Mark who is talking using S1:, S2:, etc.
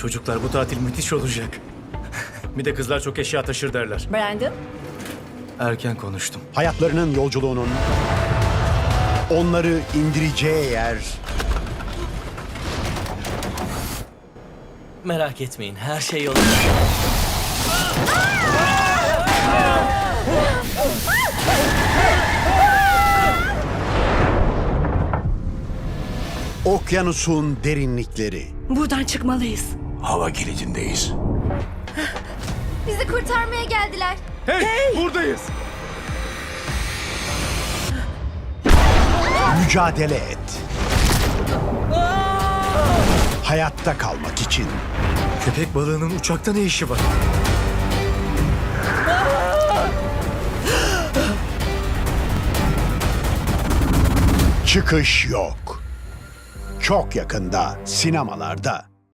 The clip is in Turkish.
S1: Çocuklar bu tatil müthiş olacak. Bir de kızlar çok eşya taşır derler.
S2: Brandon,
S1: Erken konuştum.
S3: Hayatlarının yolculuğunun onları indireceği yer
S4: Merak etmeyin, her şey yolunda.
S3: okyanusun derinlikleri.
S2: buradan çıkmalıyız.
S5: Hava kilidindeyiz.
S6: Bizi kurtarmaya geldiler.
S1: Hey! Buradayız!
S3: Mücadele et. Hayatta kalmak için.
S1: Köpek balığının uçakta ne işi var?
S3: Çıkış yok. Çok yakında sinemalarda.